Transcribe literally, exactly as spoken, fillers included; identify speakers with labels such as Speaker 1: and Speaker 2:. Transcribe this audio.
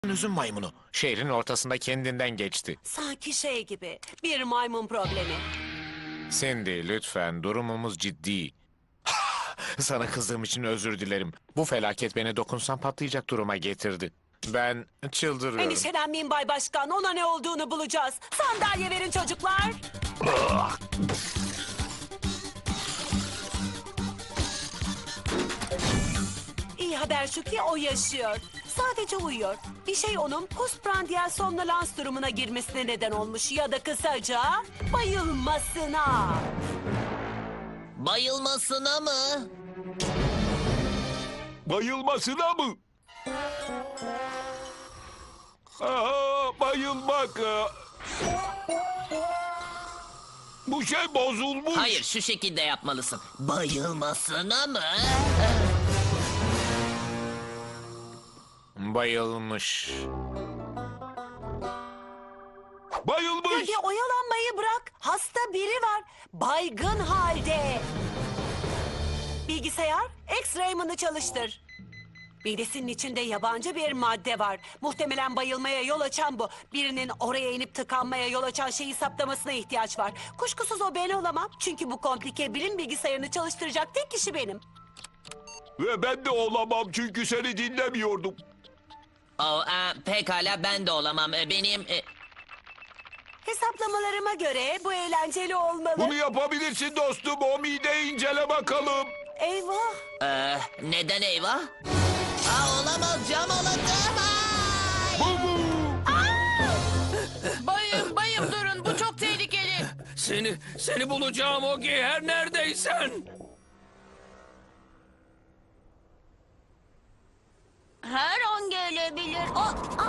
Speaker 1: Üzüm maymunu şehrin ortasında kendinden geçti.
Speaker 2: Sanki şey gibi, bir maymun problemi.
Speaker 1: Cindy, lütfen, durumumuz ciddi. Sana kızdığım için özür dilerim. Bu felaket beni dokunsam patlayacak duruma getirdi. Ben çıldırıyorum.
Speaker 2: Endişelenmeyin Bay Başkan, ona ne olduğunu bulacağız. Sandalye verin çocuklar. İyi haber şu ki o yaşıyor. Sadece uyuyor. Bir şey onun postprandial somnolans durumuna girmesine neden olmuş ya da kısaca bayılmasına.
Speaker 3: Bayılmasına mı?
Speaker 4: Bayılmasına mı? Aa, bayılmak. aa. Bu şey bozulmuş.
Speaker 3: Hayır, şu şekilde yapmalısın. Bayılmasına mı?
Speaker 1: Bayılmış.
Speaker 4: Bayılmış.
Speaker 2: Hadi oyalanmayı bırak. Hasta biri var. Baygın halde. Bilgisayar, X-Rayman'ı çalıştır. Midesinin içinde yabancı bir madde var. Muhtemelen bayılmaya yol açan bu. Birinin oraya inip tıkanmaya yol açan şeyi saptamasına ihtiyaç var. Kuşkusuz o ben olamam. Çünkü bu komplike bilim bilgisayarını çalıştıracak tek kişi benim.
Speaker 4: Ve ben de olamam çünkü seni dinlemiyordum.
Speaker 3: Oh, e, pekala ben de olamam. E, Benim... e,
Speaker 2: Hesaplamalarıma göre bu eğlenceli olmalı.
Speaker 4: Bunu yapabilirsin dostum. O mideyi incele bakalım.
Speaker 2: Eyvah.
Speaker 3: e, neden eyvah? Aa, olamaz, cam alındı. Ay!
Speaker 4: Bu bu.
Speaker 5: Bayım bayım durun, bu çok tehlikeli.
Speaker 6: Seni, seni bulacağım Ogi, her neredeysen.
Speaker 5: Her an gelebilir. Aa,